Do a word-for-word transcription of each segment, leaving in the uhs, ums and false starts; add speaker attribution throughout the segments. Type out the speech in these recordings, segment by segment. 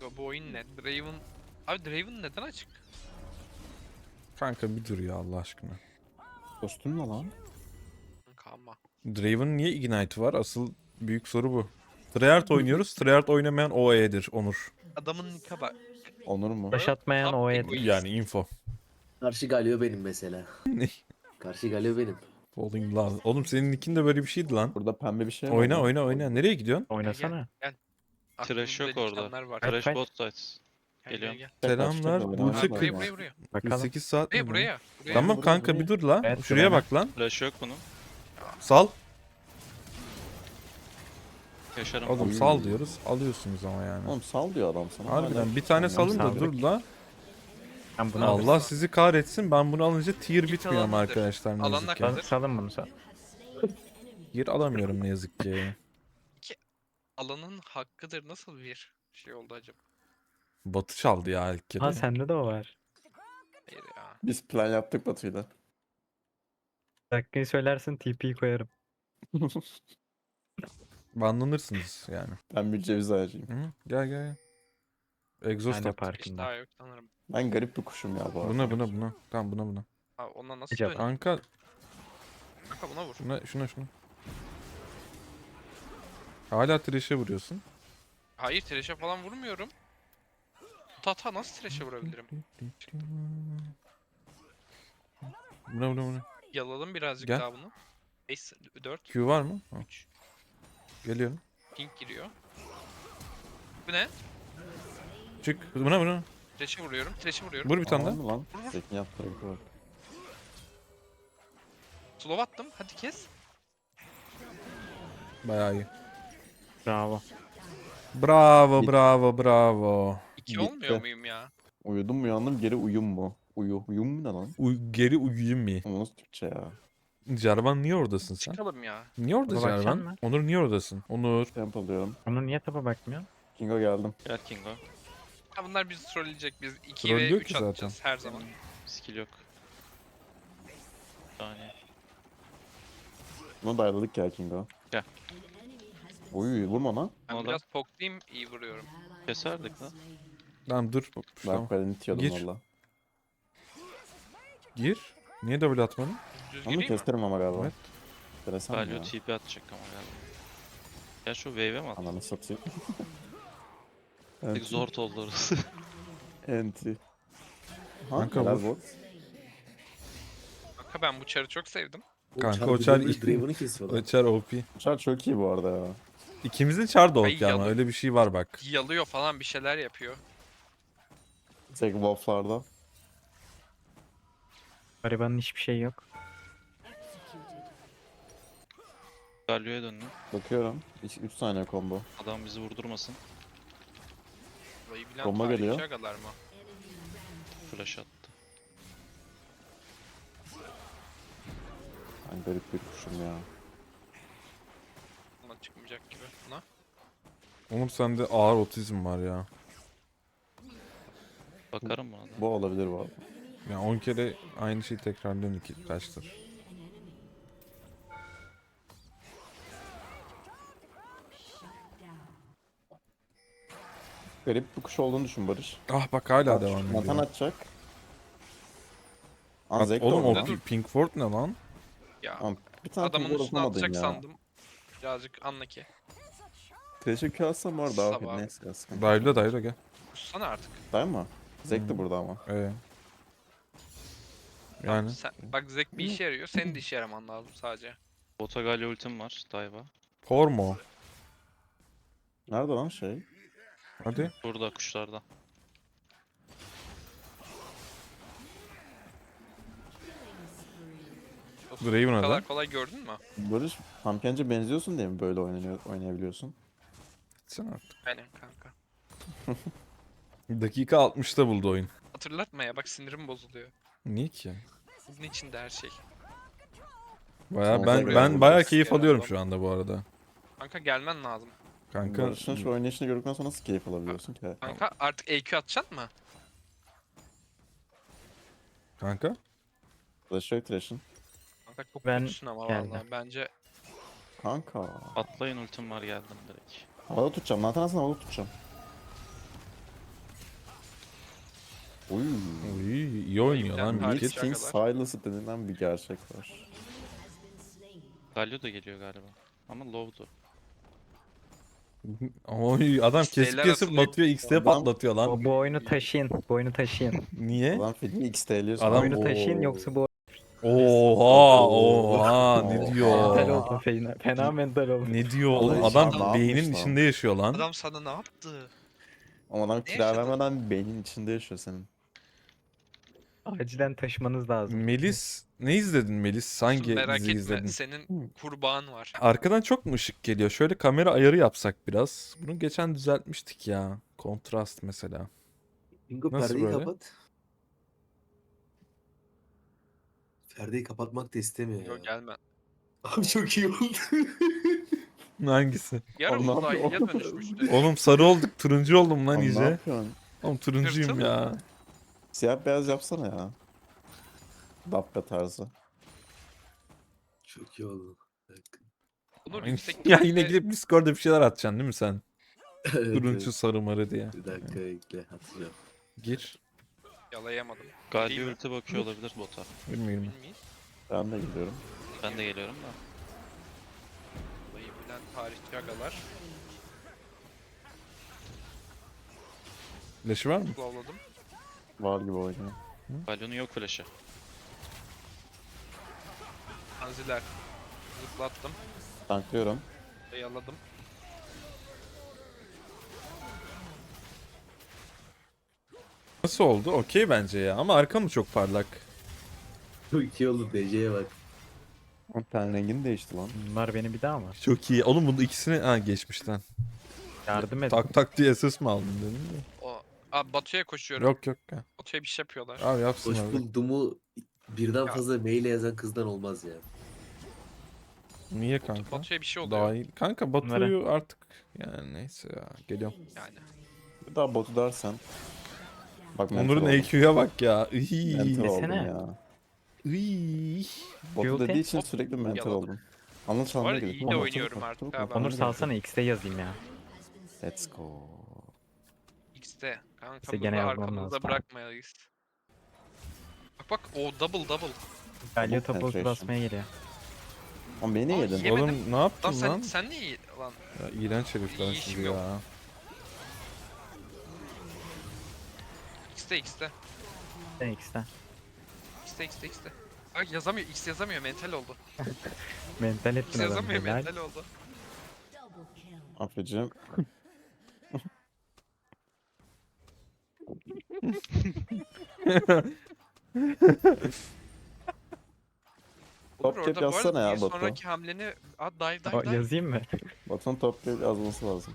Speaker 1: bu oyun ne? Draven... Abi Draven neden açık?
Speaker 2: Kanka bir dur ya Allah aşkına.
Speaker 3: Kostüm ne lan?
Speaker 1: Kanka ama.
Speaker 2: Draven niye Ignite var? Asıl büyük soru bu. Treyarch oynuyoruz. Treyarch oynamayan O E'dir Onur.
Speaker 1: Adamın nika bak.
Speaker 3: Onur mu?
Speaker 4: Taş atmayan
Speaker 1: Tam
Speaker 4: o
Speaker 1: egoist.
Speaker 4: el.
Speaker 2: Yani info.
Speaker 5: Karşı Galio benim mesela.
Speaker 2: Ne?
Speaker 5: Karşı Galio benim.
Speaker 2: Falling Love. Oğlum senin nickin de böyle bir şeydi lan.
Speaker 3: Burada pembe bir şey var.
Speaker 2: Oyna
Speaker 3: mı?
Speaker 2: oyna oyna. Nereye gidiyorsun?
Speaker 4: Oynasana.
Speaker 1: Gel.
Speaker 6: Trash yok
Speaker 1: Aklımda
Speaker 6: orada.
Speaker 1: delikanlar var.
Speaker 4: Kaç,
Speaker 6: Trash
Speaker 4: kaç?
Speaker 6: bot sides.
Speaker 1: Gel,
Speaker 6: Geliyorum.
Speaker 1: gel,
Speaker 2: Selamlar.
Speaker 3: Kaçta
Speaker 2: Bu
Speaker 3: da
Speaker 1: gel.
Speaker 2: tek-
Speaker 1: Buraya buraya buraya.
Speaker 4: Bakalım.
Speaker 2: sekiz saat
Speaker 1: Buraya
Speaker 2: mi bu?
Speaker 1: buraya. buraya.
Speaker 2: Tamam
Speaker 3: Buraya,
Speaker 2: kanka
Speaker 3: buraya.
Speaker 2: bir dur la.
Speaker 4: Evet,
Speaker 2: Şuraya
Speaker 4: buraya.
Speaker 2: bak lan.
Speaker 6: Flash yok bunun.
Speaker 2: Sal.
Speaker 6: Yaşarım.
Speaker 2: Oğlum
Speaker 3: Oy.
Speaker 2: sal diyoruz. Alıyorsunuz ama yani.
Speaker 3: Oğlum sal diyor adam sana.
Speaker 2: Harbiden bir tane
Speaker 4: Tamam,
Speaker 2: salın da
Speaker 4: saldık.
Speaker 2: dur la.
Speaker 4: Ben bunu
Speaker 2: Allah
Speaker 4: alayım.
Speaker 2: sizi kahretsin. Ben bunu alınca tier
Speaker 1: Git
Speaker 2: bitmiyor ama
Speaker 1: alanındır.
Speaker 2: arkadaşlar ne
Speaker 1: Alanlar
Speaker 2: yazık ki.
Speaker 1: kadar.
Speaker 4: Sal, salın bunu sal.
Speaker 2: Tier alamıyorum ne yazık ki.
Speaker 1: Alanın hakkıdır. Nasıl bir şey oldu acaba?
Speaker 2: Batı çaldı ya ilk kere.
Speaker 4: Ha sende de o var.
Speaker 1: Hayır ya.
Speaker 3: Biz plan yaptık Batu'yla.
Speaker 4: Dakikayı söylersin T P'yi koyarım.
Speaker 2: Banlanırsınız yani.
Speaker 3: Ben bir ceviz ağacıyım.
Speaker 2: Hı? Gel gel gel. Exhaust
Speaker 4: Ben de
Speaker 2: at.
Speaker 1: Hiç
Speaker 4: parkında.
Speaker 1: daha yok sanırım.
Speaker 3: Ben garip bir kuşum ya bu arada.
Speaker 2: Buna buna buna. Tamam buna buna.
Speaker 1: Ha, ona nasıl
Speaker 4: Acaba-
Speaker 1: dönüyor?
Speaker 2: Kanka
Speaker 1: Kanka buna vur.
Speaker 2: şuna şuna şuna. Hala trash'e vuruyorsun.
Speaker 1: Hayır trash'e falan vurmuyorum. Tata nasıl trash'e vurabilirim?
Speaker 2: Buna buna buna.
Speaker 1: Yaladım birazcık
Speaker 2: Gel.
Speaker 1: daha bunu. beş, dört,
Speaker 2: Q var mı? Ha,
Speaker 1: üç.
Speaker 2: geliyorum.
Speaker 1: Pink giriyor. Bu ne?
Speaker 2: Çık. Buna buna.
Speaker 1: Trash'e vuruyorum. Trash'e vuruyorum.
Speaker 2: Vur bir tane
Speaker 3: Aa,
Speaker 2: daha.
Speaker 3: mı lan? Zekin yaptı. bak.
Speaker 1: Slow attım. Hadi kes.
Speaker 2: Bayağı iyi.
Speaker 4: Bravo.
Speaker 2: Bravo
Speaker 3: Bit-
Speaker 2: bravo bravo.
Speaker 1: İki
Speaker 3: Bitti.
Speaker 1: olmuyor muyum ya?
Speaker 3: Uyudum uyandım geri uyum mu? Uyu. Uyum mu ne lan?
Speaker 2: Uy- geri uyuyayım mı?
Speaker 3: Ama nasıl Türkçe ya?
Speaker 2: Jarvan niye oradasın sen?
Speaker 1: Çıkalım ya.
Speaker 2: Niye orada
Speaker 4: Ona bakacaksın
Speaker 2: Jarvan?
Speaker 4: mı?
Speaker 2: Onur niye oradasın? Onur.
Speaker 3: Temp alıyorum.
Speaker 4: Onun niye tapa bakmıyor?
Speaker 3: Kingo geldim.
Speaker 6: Gel Kingo.
Speaker 1: Ha, bunlar bizi trolleyecek. Biz iki ve
Speaker 2: Trollüyor
Speaker 1: üç
Speaker 2: ki zaten.
Speaker 1: atacağız her zaman.
Speaker 6: Skill yok. Bir saniye.
Speaker 3: Buna dayaladık ya Kingo.
Speaker 6: Gel.
Speaker 3: Uy vurma lan.
Speaker 1: Ben
Speaker 6: Oğlum.
Speaker 1: biraz poklayayım iyi vuruyorum.
Speaker 6: Keserdik lan.
Speaker 2: Tamam dur. Tamam.
Speaker 3: Bak ben itiyordum
Speaker 2: Gir.
Speaker 3: valla.
Speaker 2: Gir. Niye double atmadın?
Speaker 1: Düz
Speaker 3: Onu
Speaker 1: gireyim mi?
Speaker 3: keserim ama galiba.
Speaker 2: Evet.
Speaker 3: Enteresan
Speaker 6: Galio
Speaker 3: ya.
Speaker 6: T P atacak ama galiba. Ya şu wave'e mi attık?
Speaker 3: Ananı satayım.
Speaker 6: Tek
Speaker 3: Enti.
Speaker 6: zor oldu orası.
Speaker 3: Enti. Ha,
Speaker 2: Kanka
Speaker 3: helal
Speaker 2: vur.
Speaker 3: bot.
Speaker 1: Kanka ben bu çarı çok sevdim.
Speaker 2: Kanka,
Speaker 5: Çar
Speaker 2: o
Speaker 5: bir
Speaker 2: çar
Speaker 5: dönmüş,
Speaker 2: ilk-
Speaker 5: Draven'ı kesiyorlar.
Speaker 2: Çar O P.
Speaker 3: Uçar çok iyi bu arada ya.
Speaker 2: İkimizin çar da O
Speaker 1: Ay,
Speaker 2: P ama
Speaker 1: yalan.
Speaker 2: öyle bir şey var bak.
Speaker 1: Yalıyor falan bir şeyler yapıyor.
Speaker 3: Tek wafflarda.
Speaker 4: Garibanın hiçbir şey yok.
Speaker 6: Galio'ya döndüm.
Speaker 3: Bakıyorum. üç saniye combo.
Speaker 6: Adam bizi vurdurmasın.
Speaker 1: Burayı bilen
Speaker 3: Bomba
Speaker 1: tarihçi
Speaker 3: geliyor.
Speaker 1: agalar mı?
Speaker 6: Flash attı.
Speaker 3: Ben garip bir kuşum ya.
Speaker 1: Buna çıkmayacak gibi. Buna.
Speaker 2: Oğlum sende ağır otizm var ya.
Speaker 6: Bakarım buna da.
Speaker 3: Bu olabilir bu arada.
Speaker 2: Ya on kere aynı şeyi tekrarlıyorsun iki kaçtır.
Speaker 3: Garip bir kuş olduğunu düşün Barış.
Speaker 2: Ah bak hala
Speaker 3: Bak,
Speaker 2: devam
Speaker 3: Matan
Speaker 2: ediyor.
Speaker 3: atacak.
Speaker 2: At-
Speaker 3: Anzek de
Speaker 2: Oğlum o
Speaker 3: orada.
Speaker 2: Pi- Pinkford ne lan?
Speaker 1: Ya
Speaker 3: Tamam, bir tane
Speaker 1: adamın
Speaker 3: Adamın
Speaker 1: üstüne
Speaker 3: atamadın
Speaker 1: atacak
Speaker 3: ya.
Speaker 1: sandım. Birazcık unlucky.
Speaker 3: Teşekkür alsam var daha
Speaker 1: Sabah.
Speaker 3: okey neyse ya sıkıntı.
Speaker 2: Dayla dayla gel.
Speaker 1: Kussana artık.
Speaker 3: Değil mi? Zek de
Speaker 2: Hmm.
Speaker 3: burada ama.
Speaker 2: Ee.
Speaker 1: Tamam,
Speaker 2: Yani
Speaker 1: sen, bak Zek bir işe yarıyor. Senin de işe yaraman lazım sadece.
Speaker 6: Bota Galio ultim var. Dive'a.
Speaker 2: Pormo.
Speaker 3: Nerede lan şey?
Speaker 2: Hadi.
Speaker 6: Burada kuşlarda.
Speaker 2: Draven
Speaker 1: Bu
Speaker 2: adam.
Speaker 1: kadar kolay gördün mü?
Speaker 3: Barış Pumpkin'ce benziyorsun diye mi böyle oynanıyor, oynayabiliyorsun?
Speaker 2: Sen artık.
Speaker 1: Aynen kanka.
Speaker 2: Dakika altmışta buldu oyun.
Speaker 1: Hatırlatma ya bak sinirim bozuluyor.
Speaker 2: Niye ki?
Speaker 1: Bunun içinde her şey.
Speaker 2: Baya
Speaker 3: Son
Speaker 2: ben
Speaker 3: zevk
Speaker 2: ben
Speaker 3: aldım.
Speaker 2: baya keyif
Speaker 1: Yalan
Speaker 2: alıyorum
Speaker 1: lan.
Speaker 2: şu anda bu arada.
Speaker 1: Kanka gelmen lazım.
Speaker 2: Kanka
Speaker 3: Barış'ın şu oynayışını gördükten sonra nasıl keyif alabiliyorsun ki?
Speaker 1: Kanka artık E Q atacaksın mı?
Speaker 2: kanka
Speaker 3: Flash yok Thresh'in.
Speaker 1: Kanka çok
Speaker 4: Ben
Speaker 1: kötüsün ama
Speaker 4: geldim.
Speaker 1: vallahi. Bence
Speaker 3: Kanka.
Speaker 6: Atlayın ultim var geldim direkt.
Speaker 3: Havada tutacağım. Nathan aslında havada tutacağım. Uy.
Speaker 2: Uy, iyi oynuyor lan
Speaker 1: Harbiden
Speaker 2: Midget.
Speaker 1: harika.
Speaker 3: King Silas denilen bir gerçek var.
Speaker 6: Galio da geliyor galiba. Ama low'du.
Speaker 2: Oy adam kesip
Speaker 1: İsteğler
Speaker 2: kesip
Speaker 1: atılıyor.
Speaker 2: batıyor X'te
Speaker 3: Adam-
Speaker 2: patlatıyor lan.
Speaker 4: Bu, bu oyunu taşıyın. Bu oyunu taşıyın.
Speaker 2: Niye?
Speaker 3: Adam filmi X T L'ye
Speaker 2: Adam-
Speaker 4: Bu oyunu taşıyın yoksa bu
Speaker 2: Oha oha ne
Speaker 3: Oha.
Speaker 2: diyor?
Speaker 4: mental oldum fena. Fena mental oldum.
Speaker 2: Ne diyor
Speaker 3: Oğlum,
Speaker 2: oğlum?
Speaker 3: adam
Speaker 2: Adam
Speaker 3: ne
Speaker 2: beynin
Speaker 3: yapmış lan?
Speaker 2: içinde yaşıyor lan.
Speaker 1: Adam sana ne yaptı?
Speaker 3: Ama adam
Speaker 1: Ne
Speaker 3: kira
Speaker 1: yaşadın?
Speaker 3: vermeden beynin içinde yaşıyor senin.
Speaker 4: Acilen taşımanız lazım.
Speaker 2: Melis ne izledin Melis? Hangi
Speaker 1: Merak
Speaker 2: dizi
Speaker 1: etme
Speaker 2: izledin?
Speaker 1: senin kurbağan var.
Speaker 2: Arkadan çok mu ışık geliyor? Şöyle kamera ayarı yapsak biraz. Bunu geçen düzeltmiştik ya. Kontrast mesela.
Speaker 5: Bingo
Speaker 2: Nasıl
Speaker 5: perdeyi
Speaker 2: böyle?
Speaker 5: kapat. Perdeyi kapatmak da istemiyor ya.
Speaker 1: Yok gelme.
Speaker 5: Abi çok iyi oldu.
Speaker 2: Hangisi?
Speaker 1: Yarın
Speaker 3: Oğlum, ne
Speaker 1: uzaylıya
Speaker 3: yapıyor?
Speaker 1: dönüşmüştü.
Speaker 2: Oğlum sarı olduk, turuncu oldum lan
Speaker 3: Lan ne
Speaker 2: iyice.
Speaker 3: yapıyorsun?
Speaker 2: Oğlum turuncuyum
Speaker 1: Hırtın.
Speaker 2: ya.
Speaker 3: Siyah beyaz yapsana ya. Dabbe tarzı.
Speaker 5: Çok iyi oldu. Bir dakika.
Speaker 1: Onur
Speaker 2: ya
Speaker 1: yüksek
Speaker 2: yine
Speaker 1: ihtimalle-
Speaker 2: gidip Discord'da bir şeyler atacaksın değil mi sen?
Speaker 5: Evet,
Speaker 2: Turuncu
Speaker 5: evet.
Speaker 2: sarı marı diye.
Speaker 5: Bir dakika bekle hatırlıyorum.
Speaker 2: Gir.
Speaker 1: Yalayamadım.
Speaker 6: Galio
Speaker 1: Değil mi?
Speaker 6: ulti bakıyor olabilir bota.
Speaker 2: Bilmiyorum.
Speaker 1: Bilmeyiz.
Speaker 3: Ben de gidiyorum.
Speaker 6: Ben de geliyorum da.
Speaker 1: Olayı bilen tarihçi agalar.
Speaker 2: Flash'ı var mı?
Speaker 1: Klavladım.
Speaker 3: Var gibi oynuyor.
Speaker 6: Galio'nun yok flash'ı.
Speaker 1: Anziler. Zıplattım.
Speaker 3: Tanklıyorum.
Speaker 1: Ve yaladım.
Speaker 2: Nasıl oldu? Okey bence ya. Ama arkam mı çok parlak?
Speaker 5: Çok iyi oldu D C'ye bak.
Speaker 3: Ama ten rengini değişti lan.
Speaker 4: Bunlar beni bir daha mı?
Speaker 2: Çok iyi. Oğlum bunu ikisini ha geçmişten.
Speaker 4: Yardım et.
Speaker 2: Tak tak diye S S mi aldın dedim de.
Speaker 1: O... Abi Batu'ya koşuyorum.
Speaker 2: Yok yok ya.
Speaker 1: Batu'ya bir şey yapıyorlar.
Speaker 2: Abi yapsın
Speaker 5: Hoş
Speaker 2: abi.
Speaker 5: bulduğumu birden
Speaker 1: Ya.
Speaker 5: fazla mail yazan kızdan olmaz ya.
Speaker 2: Niye kanka?
Speaker 1: Batu'ya bir şey oluyor.
Speaker 2: Daha iyi. Kanka Batu'yu artık yani neyse ya. Geliyorum.
Speaker 1: Yani.
Speaker 3: Bir daha botu dersen. Bak
Speaker 2: Onur'un
Speaker 3: mental
Speaker 2: A Q'ya bak ya.
Speaker 3: oldum.
Speaker 2: Iy.
Speaker 3: Mental oldum
Speaker 4: Desene.
Speaker 3: ya.
Speaker 2: Iy.
Speaker 3: Botu
Speaker 4: Guilty.
Speaker 3: dediği için
Speaker 1: Hop,
Speaker 3: sürekli mental
Speaker 1: yaladım.
Speaker 3: oldum. Anlat
Speaker 1: Bu arada
Speaker 3: anlat
Speaker 1: iyi de oynuyorum artık ha ben.
Speaker 4: Onur salsana X'te yazayım ya.
Speaker 3: Let's go.
Speaker 1: X'te. Kanka
Speaker 4: İşte
Speaker 1: burada
Speaker 4: gene yazmam
Speaker 1: arkamızda
Speaker 4: lazım.
Speaker 1: bırakmayız. Bak bak o double double.
Speaker 4: Galio
Speaker 3: Double
Speaker 4: topu
Speaker 3: penetration.
Speaker 4: basmaya geliyor.
Speaker 3: Ama beni
Speaker 1: Aa,
Speaker 3: yedin.
Speaker 1: yemedim.
Speaker 2: Oğlum ne
Speaker 1: Lan
Speaker 2: yaptın
Speaker 1: sen,
Speaker 2: lan?
Speaker 1: sen ne iyi lan?
Speaker 2: Ya, iğrenç herifler
Speaker 1: İyi
Speaker 2: siz
Speaker 1: işim
Speaker 2: ya.
Speaker 1: yok. X'te X'te.
Speaker 4: Sen X'te.
Speaker 1: X'te X'te X'te. Bak yazamıyor X yazamıyor mental oldu.
Speaker 4: Mental
Speaker 1: X
Speaker 4: ettin adamı.
Speaker 1: yazamıyor
Speaker 4: helal.
Speaker 1: mental oldu.
Speaker 3: Affedeceğim. Top
Speaker 1: Olur,
Speaker 3: cap
Speaker 1: orada bu arada
Speaker 3: yazsana ya
Speaker 1: bir
Speaker 3: Batu.
Speaker 1: sonraki hamleni at dive dive
Speaker 4: O,
Speaker 1: dive.
Speaker 4: yazayım mı?
Speaker 3: Batu'nun top cap yazması lazım.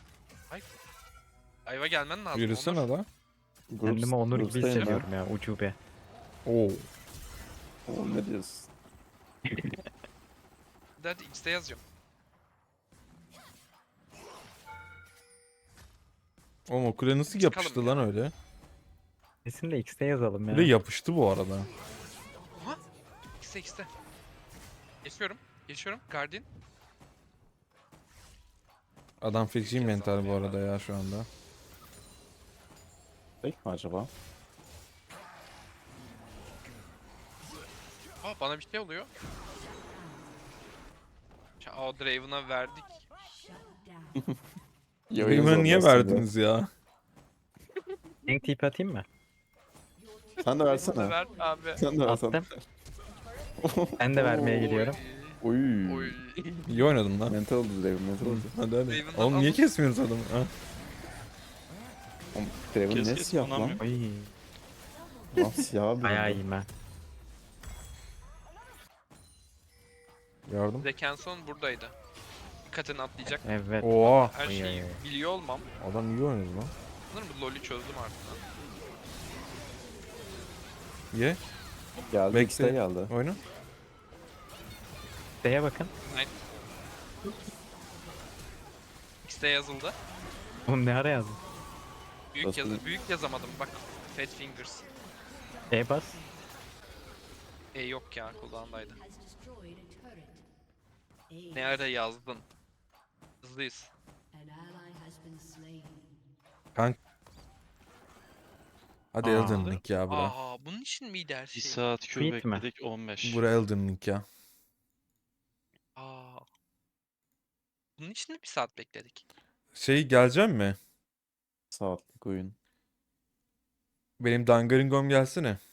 Speaker 1: Dive'a gelmen lazım.
Speaker 2: Yürüsene
Speaker 1: Onur.
Speaker 2: da.
Speaker 4: Kendimi Onur gibi
Speaker 3: Groups'tayım ben.
Speaker 4: hissediyorum ya ucube.
Speaker 2: Oo.
Speaker 3: Oğlum ne diyorsun?
Speaker 1: Hadi hadi X'te yazıyorum.
Speaker 2: Oğlum o kule nasıl
Speaker 1: Çıkalım
Speaker 2: yapıştı
Speaker 1: ya.
Speaker 2: lan öyle?
Speaker 4: Kesin de X'te yazalım ya.
Speaker 2: Kule yapıştı bu arada.
Speaker 1: X'te X'te. Geçiyorum. Geçiyorum. Guardian.
Speaker 2: Adam feci
Speaker 1: Yazalım
Speaker 2: mental bu
Speaker 1: ya.
Speaker 2: arada ya şu anda.
Speaker 3: Fake mi acaba?
Speaker 1: Aa bana bir şey oluyor. Ya, o Draven'a verdik.
Speaker 2: Raven'ı niye verdiniz ya?
Speaker 4: Gank tip atayım mı?
Speaker 3: Sen de
Speaker 1: Draven'a
Speaker 3: versene.
Speaker 1: ver abi.
Speaker 3: Sen de versene.
Speaker 4: Attım. Ben de vermeye
Speaker 1: Oy,
Speaker 4: gidiyorum.
Speaker 3: Uy.
Speaker 1: Oy.
Speaker 2: İyi oynadın lan.
Speaker 3: Mental oldu Draven, mental oldu.
Speaker 2: Hadi hadi.
Speaker 1: Raven'dan
Speaker 2: Oğlum niye
Speaker 1: alın.
Speaker 2: kesmiyoruz adamı? Ha?
Speaker 3: Oğlum Draven
Speaker 6: Kes,
Speaker 3: ne
Speaker 6: kes,
Speaker 3: siyah lan?
Speaker 6: anlamıyorum.
Speaker 4: Oy.
Speaker 3: Lan siyah bir
Speaker 4: Bayağı
Speaker 3: oldu.
Speaker 4: iyiyim ben.
Speaker 2: Yardım.
Speaker 1: Zekenson buradaydı. Dikkatini atlayacak.
Speaker 4: Evet.
Speaker 2: Oha.
Speaker 1: Her
Speaker 4: Oy,
Speaker 1: şeyi
Speaker 4: oy, oy.
Speaker 1: biliyor olmam.
Speaker 2: Adam iyi oynadı lan.
Speaker 1: Sanırım bu LoL'ü çözdüm artık.
Speaker 2: Ye.
Speaker 3: Geldi
Speaker 2: Bekle.
Speaker 3: X'te geldi.
Speaker 2: Oyna.
Speaker 4: X'teye bakın.
Speaker 1: X'te yazıldı.
Speaker 4: Oğlum ne ara yazdın?
Speaker 1: Büyük
Speaker 3: Nasıl?
Speaker 1: yazı büyük yazamadım bak. Fat Fingers.
Speaker 4: E bas.
Speaker 1: E yok ya kulağındaydı. Ne ara yazdın? Hızlıyız.
Speaker 2: Hadi
Speaker 4: Aa.
Speaker 2: Elden Ring ya bura.
Speaker 1: Aa, bunun için miydi her
Speaker 6: Bir
Speaker 1: şey?
Speaker 6: saat Q
Speaker 4: Tweet mi?
Speaker 6: bekledik on beş.
Speaker 2: Bura Elden Ring ya.
Speaker 1: Aa. Bunun için de bir saat bekledik.
Speaker 2: Şey gelecek mi?
Speaker 3: Saatlik oyun.
Speaker 2: Benim Dangaringom gelsene.